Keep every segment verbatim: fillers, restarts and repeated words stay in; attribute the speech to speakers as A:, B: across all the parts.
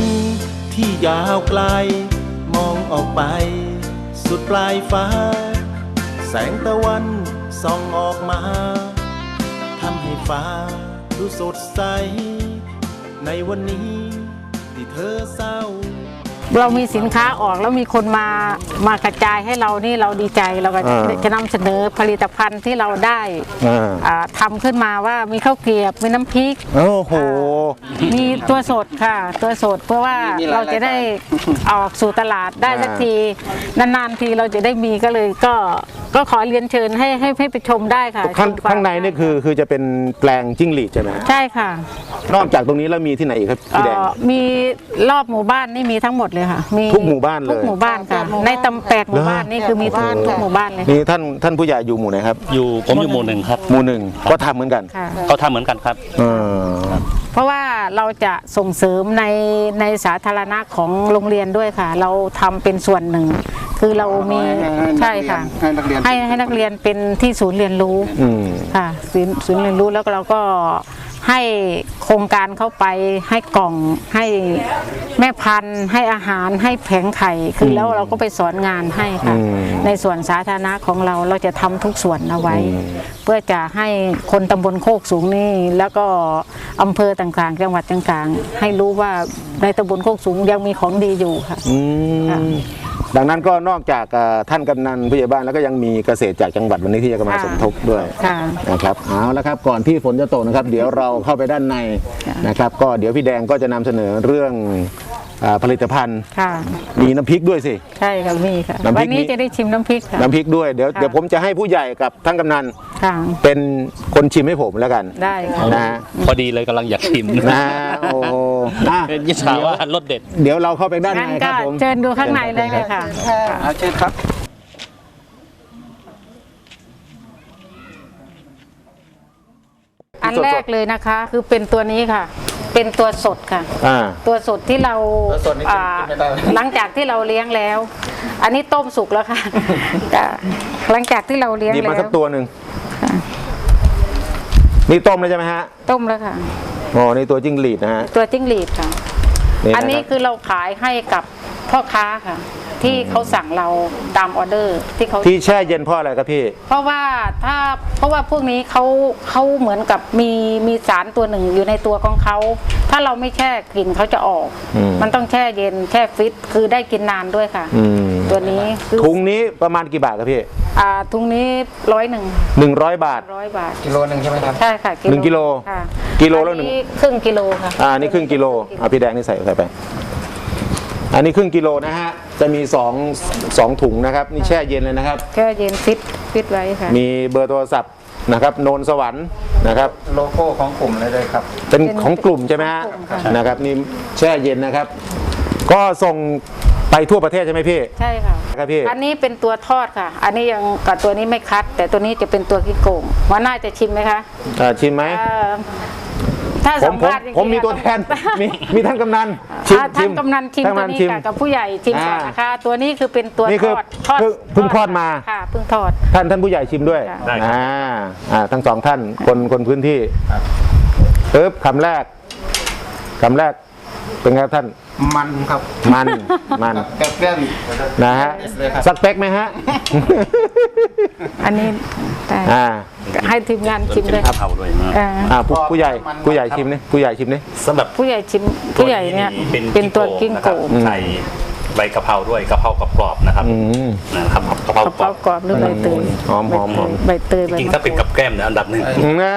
A: ที่ยาวไกลมองออกไปสุดปลายฟ้าแสงตะวันส่องออกมาทำให้ฟ้าดูสดใสในวันนี้ที่เธอเศร้า
B: เรามีสินค้าออกแล้วมีคนมามากระจายให้เรานี่เราดีใจเราก็จะนำเสนอผลิตภัณฑ์ที่เราได้ทำขึ้นมาว่ามีข้าวเกรียบมีน้ำพริก
C: โอ้โห
B: มีตัวสดค่ะตัวสดเพื่อว่าเราจะได้ออกสู่ตลาดได้สักทีนานๆทีเราจะได้มีก็เลยก็ก็ขอเรียนเชิญให้ให้ให้ไปชมได้ค่ะ
C: ข้างในนี่คือคือจะเป็นแปลงจิ้งหรีดใช่ไหม
B: ใช่ค่ะ
C: นอกจากตรงนี้แล้วมีที่ไหนอีกครับพี่แดง
B: มีรอบหมู่บ้านนี่มีทั้งหมดเลยค่ะมี
C: ทุกหมู่บ้านเลย
B: ทุกหมู่บ้านค่ะในตำแปดหมู่บ้านนี่คือมีทุกทุกหมู่บ้านเลย
C: นี่ท่านท่านผู้ใหญ่อยู่หมู่ไหนครับ
D: อยู่ผมอยู่หมู่หนึ่งครับ
C: หมู่หนึ่งก็ทำเหมือนกัน
D: เขาทำเหมือนกันครับ
B: เพราะว่าเราจะส่งเสริมในในสาธารณะของโรงเรียนด้วยค่ะเราทำเป็นส่วนหนึ่งคือเรามีใช่ค่ะให้ให้นักเรียนเป็นที่ศูนย์เรียนรู้ค่ะศูนย์เรียนรู้แล้วเราก็ให้โครงการเข้าไปให้กล่องให้แม่พันธุ์ให้อาหารให้แผงไข่คือแล้วเราก็ไปสอนงานให้ค่ะในส่วนสาธารณะของเราเราจะทำทุกส่วนเอาไว้เพื่อจะให้คนตำบลโคกสูงนี่แล้วก็อำเภอต่างๆจังหวัดต่างๆให้รู้ว่าในตำบลโคกสูงยังมีของดีอยู่ค่ะ
C: ดังนั้นก็นอกจากท่านกำนันผู้ใหญ่บ้านแล้วก็ยังมีเกษตรจากจังหวัดวันนี้ที่จะมาสมทบด้วยนะครับเอาละครับก่อนที่ฝนจะตกนะครับเดี๋ยวเราเข้าไปด้านในนะครับก็เดี๋ยวพี่แดงก็จะนำเสนอเรื่องผลิตภัณฑ์มีน้ำพริกด้วยสิ
B: ใช่ครับมีค่ะวันนี้จะได้ชิมน้ำพริกค่ะ
C: น้ำพริกด้วยเดี๋ยวเดี๋ยวผมจะให้ผู้ใหญ่กับท่านกำนันเป็นคนชิมให้ผมแล้วกัน
B: ได้
C: นะ
D: พอดีเลยกำลังอยากชิม
C: นะโอ้
D: เป็นยิสาว่ารสเด็ด
C: เดี๋ยวเราเข้าไปด้านในครับผม
B: เชิญดูข้างในเลยเลยค่ะ
C: เชิญครับ
B: อันแรกเลยนะคะคือเป็นตัวนี้ค่ะเป็นตัวสดค่ะตัวสดที่เราหลังจากที่เราเลี้ยงแล้วอันนี้ต้มสุกแล้วค่ะหลังจากที่เราเลี้ยงแล้ว
C: มาสักตัวหนึ่งนี่ต้มแล้วใช่ไหมฮะ
B: ต้มแล้วค่ะ
C: อ๋อนี่ตัวจิ้งหรีดนะฮะ
B: ตัวจิ้งหรีดค่ะอันนี้คือเราขายให้กับพ่อค้าค่ะที่เขาสั่งเราตามออเดอร์ที่เขา
C: ที่แช่เย็นเพราะอะไรครับพี่
B: เพราะว่าถ้าเพราะว่าพวกนี้เขาเขาเหมือนกับมีมีสารตัวหนึ่งอยู่ในตัวของเขาถ้าเราไม่แช่กลิ่นเขาจะออกมันต้องแช่เย็นแช่ฟิตคือได้กินนานด้วยค่ะตัวนี้
C: ถุงนี้ประมาณกี่บาทครับพี่
B: อ่าถุงนี้ร้อยหนึ่ง
C: หนึ่งร้อยบาท
B: ร้อยบาท
C: กิโลหนึ่งใช่ไหมครับ
B: ใช่ค่ะ
C: หนึ่งกิโลกิโลแล้วหนึ่ง
B: ครึ่งกิโลค่ะ
C: อ่านี่ครึ่งกิโลอ่าพี่แดงนี่ใส่ใส่ไปอันนี้ครึ่งกิโลนะฮะจะมีสองสองถุงนะครับนี่แช่เย็นเลยนะครับ
B: แช่เย็นฟิตฟิตไว้ค่ะ
C: มีเบอร์โทรศัพท์นะครับโนนสวรรค์นะครับ
E: โลโก้ของกลุ่มเลยเลยครับ
C: เป็นของกลุ่มใช่ไหมฮะนะครับนี่แช่เย็นนะครับก็ส่งไปทั่วประเทศใช่ไหมพี่
B: ใช่ค่ะ
C: ครับพี่
B: อันนี้เป็นตัวทอดค่ะอันนี้ยังกับตัวนี้ไม่คัดแต่ตัวนี้จะเป็นตัวกิ้งโก่งว่าน่าจะชิมไหมคะ
C: ชิมไหม
B: ถ้าสัมภาษณ์
C: ผมมีตัวแทนมีมีท่านกำนัน
B: ท่านกำนันชิมตัวนี้กับผู้ใหญ่ชิมก่อนนะคะตัวนี้คือเป็นตัวทอด
C: ทอดเพิ่งทอดมา
B: ค่ะเพิ่งทอด
C: ท่านท่านผู้ใหญ่ชิมด้วยอ่าอ่าทั้งสองท่านคนคนพื้นที่ปึ๊บคำแรกคำแรกเป็นไงท่าน
E: มันครับ
C: มันมัน
E: แก้ม
C: นะฮะสักเป๊กไหมฮะ
B: อันนี้แต่ให้ทีมงานชิมเลย
D: เผาด้วย
C: อ่าผู้ใหญ่ผู้ใหญ่ชิมนี่ผู้ใหญ่ชิมนี่
D: สำหรับ
B: ผู้ใหญ่ชิมผู้ใหญ่เนี่ยเป็นตัวกิ้งโก่
D: ใส่ใบกะเพราด้วยกะเพรากรอบๆนะครับนะครับกะเพราก
B: รอบหรือใบเตย
C: หอมหอมหอม
B: ใบเตย
D: จริงถ้าเป็นกับแก้มเนี่ยอันดับหนึ่ง
C: น่า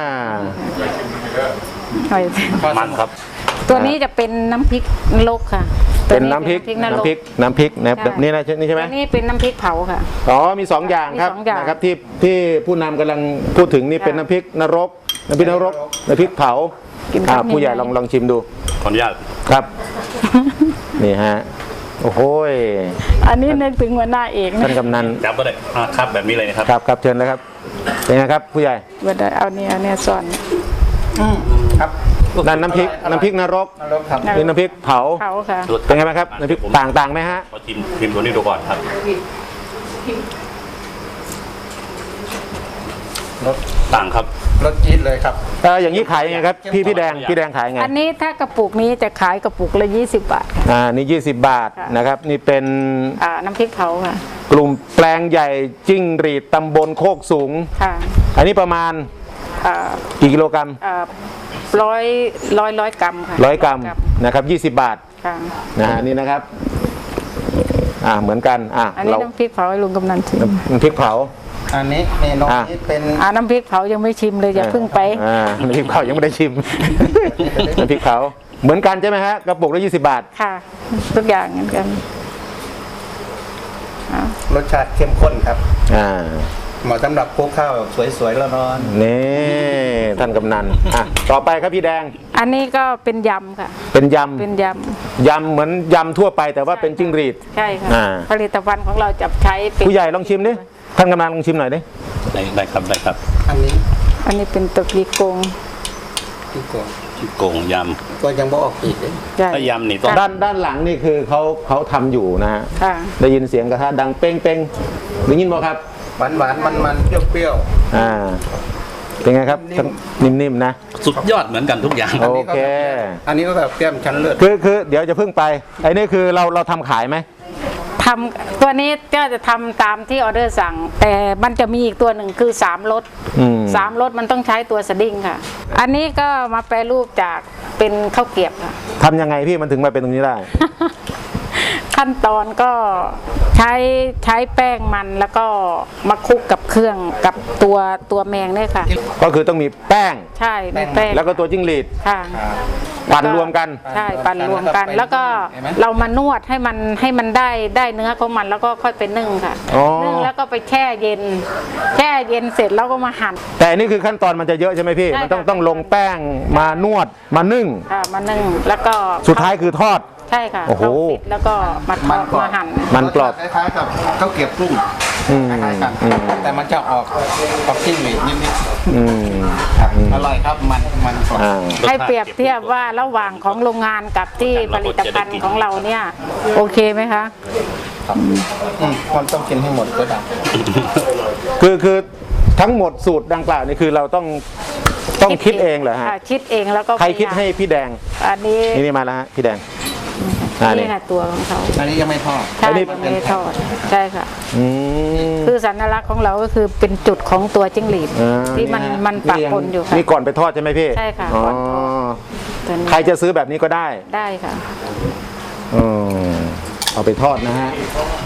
D: มันครับ
B: ตัวนี้จะเป็นน้ำพริกนรกค่ะ
C: เป็นน้ำพริกน้ำพริกน้ำพริกนะนี่นะนี่ใช่ไหม
B: นี่เป็นน้ำพริกเผาค่ะ
C: อ๋อมีสองอย่างครับนะครับที่ที่ผู้นำกำลังพูดถึงนี่เป็นน้ำพริกนรกน้ำพริกนรกน้ำพริกเผาผู้ใหญ่ลองลองชิมดู
D: ขออนุญาต
C: ครับนี่ฮะโอ้โห
B: อันนี้นึกถึงหัวหน้าเอก
C: ท่านกำนัน
D: จับก็ได้ครับแบบนี้เลยนะครับ
C: ครับครับเชิญเลยครับเป็นไงครับผู้ใหญ่
B: ไม่ได้เอาเนี่ยเอาเนี่ยสอน
C: ครับนั่นน้ำพริกน้ำพริกนรกนี่น้ำพริกเผา
B: เผาค่ะ
C: เป็นไงไหมครับน้ำพริกต่างต่างไหมฮะ
D: ขอชิมชิมตัวนี้ดูก่อนครับ
E: รส
D: ต่างครับ
E: รสจี๊ดเลยครับ
C: เอออย่างนี้ขายยังไงครับพี่พี่แดงพี่แดงขายไง
B: อันนี้ถ้ากระปุกนี้จะขายกระปุกละยี่สิบบาท
C: อ่านี่ยี่สิบบาท
B: ค่ะ
C: นะครับนี่เป็น
B: อ่าน้ำพริกเผาค่ะ
C: กลุ่มแปลงใหญ่จิ้งหรีดตำบลโคกสูง
B: ค่ะ
C: อันนี้ประมาณ
B: อ่า
C: กี่กิโลกรัม
B: อ่าร้อยร้อยร้อยกรัมค่ะ
C: ร้อยกรัมนะครับยี่สิบบาท
B: ค่ะ
C: นะฮะนี่นะครับอ่าเหมือนกันอ่ะ
B: อันนี้
C: เรา
B: น้ำพริกเผาให้ลุงกำนันชิม
C: น้ำพริกเผา
E: อันนี้เมนู
C: อ่ะ
E: นี้เป็น
B: อ่าน้ำพริกเผายังไม่ชิมเลยอย่าเพิ่งไป
C: อ่าน้ำพริกเผายังไม่ได้ชิม น้ำพริกเผาเหมือนกันใช่ไหมฮะกระปุกละยี่สิบบาท
B: ค่ะ ทุกอย่างเหมือนกันอ่าร
E: สชาติเข้มข้นครับ
C: อ่า
E: เหมาะสำหรับคลุกข้าวแบบสวยๆแล้วร้อน
C: นี่ท่านกำนันอ่ะต่อไปครับพี่แดง
B: อันนี้ก็เป็นยำค่ะ
C: เป็นย
B: เป็นย
C: ำยำเหมือนยำทั่วไปแต่ว่าเป็นจิ้งหรีด
B: ำใช่ค่ะ
C: อ่า
B: ผลิตภัณฑ์ของเราจะใช้เป็น
C: ผู้ใหญ่ลองชิมดิท่านกำนันลองชิมหน่อยดิ
D: ได้ได้ครับได้ครับ
E: อันนี้
B: อันนี้เป็นตะกีโกง
E: ที่โกง
D: โกงย
E: ก็ยังบ่ออกอีกเลย
B: ใช่
D: ำถ้ายำนี่ต้อง
C: ด้านด้านหลังนี่คือเขาเขาทำอยู่นะฮะ
B: ค่ะ
C: ได้ยินเสียงกระทะดังเป้งเป้งได้ยินบ่ครับ
E: หวานหวานมันมันๆเปรี้ยว
C: อ่าเป็นไงครับทั้งนิ่มๆนะ
D: สุดยอดเหมือนกันทุกอย่าง
C: โอเค
E: ๆอันนี้ก็แบบแก้มชั้นเลือด
C: คือคือเดี๋ยวจะเพิ่งไปไอ้นี่คือเราเราทำขายไหม
B: ทำตัวนี้ก็จะทำตามที่ออเดอร์สั่ง แต่มันจะมีอีกตัวหนึ่งคือสามรส
C: อืม
B: สามรสมันต้องใช้ตัวสดิ้งค่ะ อันนี้ก็มาแปรรูปจากเป็นข้าวเกรียบค่ะ
C: ทำยังไงพี่มันถึงมาเป็นตรงนี้ได้
B: ขั้นตอนก็ใช้ใช้แป้งมันแล้วก็มาคลุกกับเครื่องกับตัวตัวแมงเนี่ยค่ะ
C: ก็คือต้องมีแป้ง
B: ใช่มีแป้ง
C: แล้วก็ตัวจิ้งหรีด
B: ค่ะ
C: ปั่นรวมกัน
B: ใช่ปั่นรวมกัน แล้วก็เรามานวดให้มันให้มันได้ได้เนื้อของมันแล้วก็ค่อยไปนึ่งค่ะ
C: อ๋อ
B: นึ่งแล้วก็ไปแช่เย็น แช่เย็นเสร็จแล้วก็มาหั่น
C: แต่อันนี่คือขั้นตอนมันจะเยอะใช่ไหมพี่
B: ใช่
C: มันต้อง
B: ค่ะ
C: ต้องลงแป้งมานวดมานึ่ง
B: ค่ะมานึ่งแล้วก็
C: สุดท้ายคือทอด
B: ใช่ค่ะ
C: โอ้โห
B: เข้าฟิตแล้วก็มาทอดมาหั่น
C: มันกรอบ
E: คล้ายๆกับข้าวเกรี๊ยวกรุ้ง
C: อืม
E: คล้ายๆกัน
C: อืม
E: แต่มันจะออกออกจิ้งหรีดนิด
C: อืม
E: ๆครับอร่อยครับมันมันกรอบ
C: อ่า
B: ให้เปรียบเทียบว่าระหว่างของโรงงานกับที่ผลิตภัณฑ์ของเราเนี่ยโอเคไหมคะ
E: ครับอืมมันต้องกินให้หมดก็ได้
C: คือคือทั้งหมดสูตรดังกล่าวนี่คือเราต้องต้องคิดเองเหรอฮะ
B: ค่ะคิดเองแล้วก็
C: ใครคิดให้พี่แดง
B: อันนี้
C: นี่นี่มาแล้วฮะพี่แดงอ่านี่
B: นี่ค่ะตัวของเขา
E: อันนี้ยังไม่ทอด
B: ใช่
C: อันนี้
B: ยังไม่ได้ทอดใช่ค่ะ
C: อืม
B: คือสัญลักษณ์ของเราก็คือเป็นจุดของตัวจิ้งหรีด
C: อ่า
B: ที่มัน
C: ฮะ
B: มันปะปนอยู่ค่ะ
C: นี่ก่อนไปทอดใช่ไหมพี่
B: ใช่ค่ะ
C: อ๋อ
B: ก่อนทอด ตัวนี้
C: ใครจะซื้อแบบนี้ก็ได้
B: ได้ค่ะ
C: อืมเอาไปทอดนะฮะ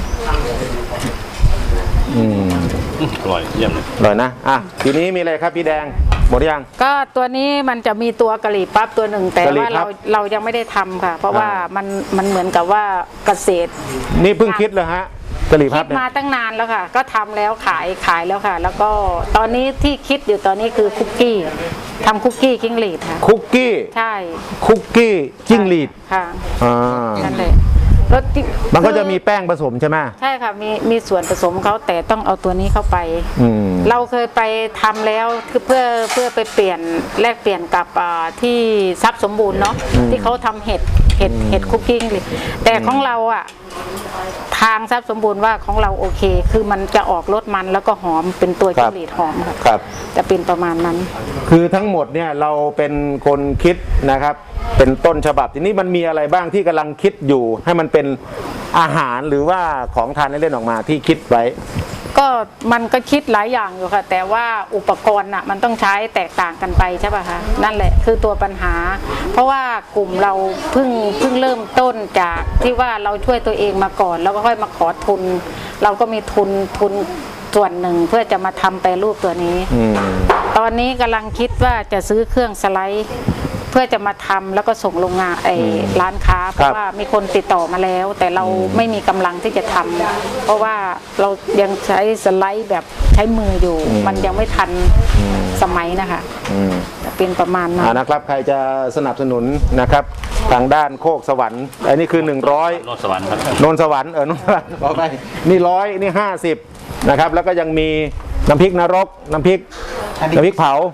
C: อืม
D: อร่อยเยี่ยมเลย
C: อร่อยนะอ่ะทีนี้มีอะไรครับพี่แดงหมดหรือยัง
B: ก็ตัวนี้มันจะมีตัวกะหรี่ปั๊บตัวหนึ่งแต่
C: กะหรี่
B: ว่า
C: ปั๊
B: เรา
C: บ
B: เรายังไม่ได้ทำค่ะ เพราะว่า
C: อ่า
B: มันมันเหมือนกับว่าเกษตร
C: นี่เพิ่งคิดเลยฮะกะหรี่พั
B: คิ
C: บ
B: ด
C: เนี่ย
B: มาตั้งนานแล้วค่ะ ก็ทำแล้วขายขายแล้วค่ะ แล้วก็ตอนนี้ที่คิดอยู่ตอนนี้คือคุกกี้ทำคุกกี้จิ้งหรีดค่ะ
C: คุกกี้
B: ใช่
C: คุกกี้จิ้งหรีด
B: ค่ะ
C: อ่า
B: นั่นเลยรสจิ้ง
C: มันก็จะมี
B: คือ
C: แป้งผสมใช่ไหม
B: ใช่ค่ะมีมีส่วนผสมเขาแต่ต้องเอาตัวนี้เข้าไป
C: อืม
B: เราเคยไปทำแล้วคือเพื่อเพื่อไปเปลี่ยนแลกเปลี่ยนกับอ่าที่ทรัพย์สมบูรณ์เนาะที่เขาทำเห็ดเห็ดเห็ดคุกกิ้งเลยแต่ของเราอ่ะทางทรัพย์สมบูรณ์ว่าของเราโอเค คือมันจะออกรสมันแล้วก็หอมเป็นตัว
C: ครั
B: จิ้
C: บ
B: งหรีดหอมค่ะ
C: ครับ
B: จะเป็นประมาณนั้น
C: คือทั้งหมดเนี่ยเราเป็นคนคิดนะครับ เป็นต้นฉบับทีนี้มันมีอะไรบ้างที่กำลังคิดอยู่ ให้มันเป็นอาหารหรือว่าของทานเล่นๆออกมาที่คิดไว้
B: ก็มันก็คิดหลายอย่างอยู่ค่ะ แต่ว่าอุปกรณ์อ่ะมันต้องใช้แตกต่างกันไปใช่ป่ะคะนั่นแหละคือตัวปัญหา เพราะว่ากลุ่มเราเพิ่งเพิ่งเริ่มต้นจากที่ว่าเราช่วยตัวเองมาก่อน แล้วก็ค่อยมาขอทุน เราก็มีทุนทุนส่วนหนึ่งเพื่อจะมาทำแปรรูปตัวนี้
C: อืม
B: ตอนนี้กำลังคิดว่าจะซื้อเครื่องสไลด์ เพื่อจะมาทำแล้วก็ส่งโรงงานไอ้ร้านค้าเพ
C: ครั
B: ราะ
C: บ
B: ว่ามีคนติดต่อมาแล้ว แต่เราไม่มีกำลังที่จะทำเพราะว่าเรายังใช้สไลด์แบบใช้มืออยู่ มันยังไม่ทันสมัยนะคะ
C: อืม
B: จะเป็นประมาณนั้
C: อ่าน นะครับใครจะสนับสนุนนะครับ ทางด้านโคกสวรรค์อันนี้คือหนึ่งร้อย
D: โนนสวรรค์ครับ
C: นนสวรรค์เออนนสวรรค์ขอไปนี่ร้อยนี่ห้าสิบนะครับ แล้วก็ยังมีน้ำพริกนรก น้ำพริกน้ำพริกเผา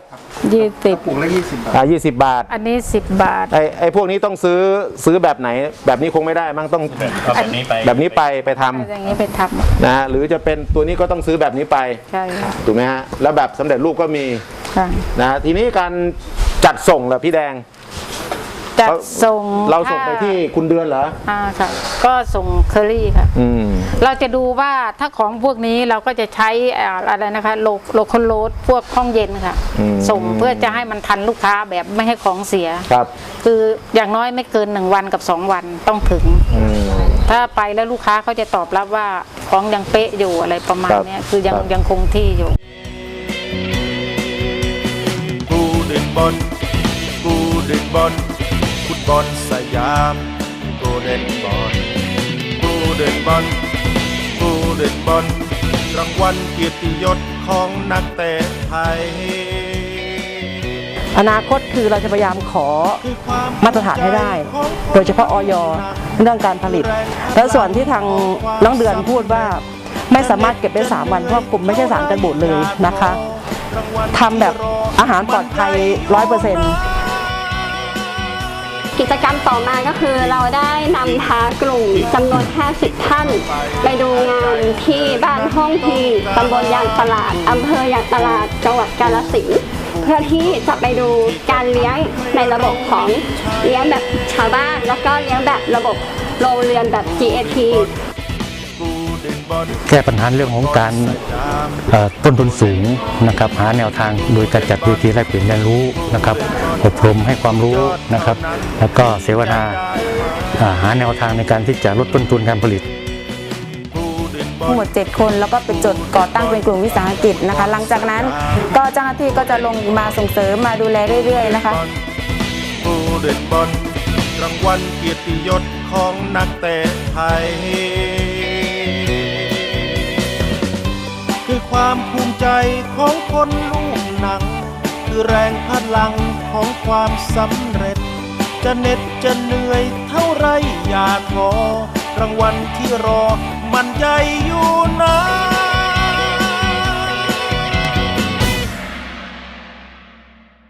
B: ยี่สิบ
E: ปลูกละยี่สิบบาท
C: อ่ายี่สิบบาท
B: อันนี้สิบบาท
C: ไอ้ไอ้พวกนี้ต้องซื้อซื้อแบบไหน แบบนี้คงไม่ได้มั้งต้อง
D: เอาแบบนี้ไป
C: แบบนี้ไปไปทำ
B: อย่างนี้ไปทำ
C: นะฮะหรือจะเป็นตัวนี้ก็ต้องซื้อแบบนี้ไป
B: ใช่ค่ะ
C: ถูกไหมฮะแล้วแบบสำเร็จรูปก็มี
B: ค่ะ
C: นะฮะทีนี้การจัดส่งล่ะพี่แดง
B: จัดส่ง
C: เราส่งไปที่คุณเดือนเหรอ
B: อ่าค่ะ ก็ส่งเคอรี่ค่ะ
C: อืม
B: เราจะดูว่าถ้าของพวกนี้เราก็จะใช้อ่าอะไรนะคะโลโลคอลโลดพวกห้องเย็นค่ะ
C: อืม
B: ส่งเพื่อจะให้มันทันลูกค้าแบบไม่ให้ของเสีย
C: ครับ
B: คืออย่างน้อยไม่เกินหนึ่งวันกับสองวันต้องถึง
C: อืม
B: ถ้าไปแล้วลูกค้าเขาจะตอบรับว่าของยังเป๊ะอยู่อะไรประมาณ
C: ครับ
B: เนี้ยคือยัง
C: ครับ
B: ยังคงที่อยู่
A: กูเด่นบอลกูเด่นบอลฟุตบอลสยามกูเด่นบอลกูเด่นบอลกูเด่นบอลรางวัลเกียรติยศของนักเตะไทย
F: อนาคตคือเราจะพยายามขอ
A: คือความ
F: มาตรฐานให้ได้ โดยเฉพาะออยเรื่องการผลิต แล้วส่วนที่ทางน้องเดือนพูดว่าไม่สามารถเก็บได้สามวันเพราะกลุ่มไม่ใช่สารกันบูดเลยนะคะทำแบบอาหารปลอดภัยร้อยเปอร์เซ็นต์
G: กิจกรรมต่อมาก็คือเราได้นำพากลุ่มจำนวนห้าสิบท่านไปดูงานที่บ้านห้องทีตำบลยางตลาดอำเภอยางตลาดจังหวัดกาฬสินธุ์เพื่อที่จะไปดูการเลี้ยงในระบบของเลี้ยงแบบชาวบ้าน แล้วก็เลี้ยงแบบระบบโรงเรือนแบบ จี เอ พี
H: แก้ปัญหาเรื่องของการเอ่อต้นทุนสูงนะครับหาแนวทางโดยการจัดเวทีแลกเปลี่ยนเรียนรู้นะครับอบรมให้ความรู้นะครับแล้วก็เสวนาอ่าหาแนวทางในการที่จะลดต้นทุนการผลิต
I: ทั้งหมดเจ็ดคนแล้วก็เป็นจดก่อตั้งเป็นกลุ่มวิสาหกิจนะคะ หลังจากนั้นก็เจ้าหน้าที่ก็จะลงมาส่งเสริมมาดูแลเรื่อยๆนะคะ
A: กูเด่นบอลรางวัลเกียรติยศของนักเตะไทย คือความภูมิใจของคนลูกหนัง คือแรงพลังของความสำเร็จ จะเหน็ดจะเหนื่อยเท่าไรอย่าท้อรางวัลที่รอมันใหญ่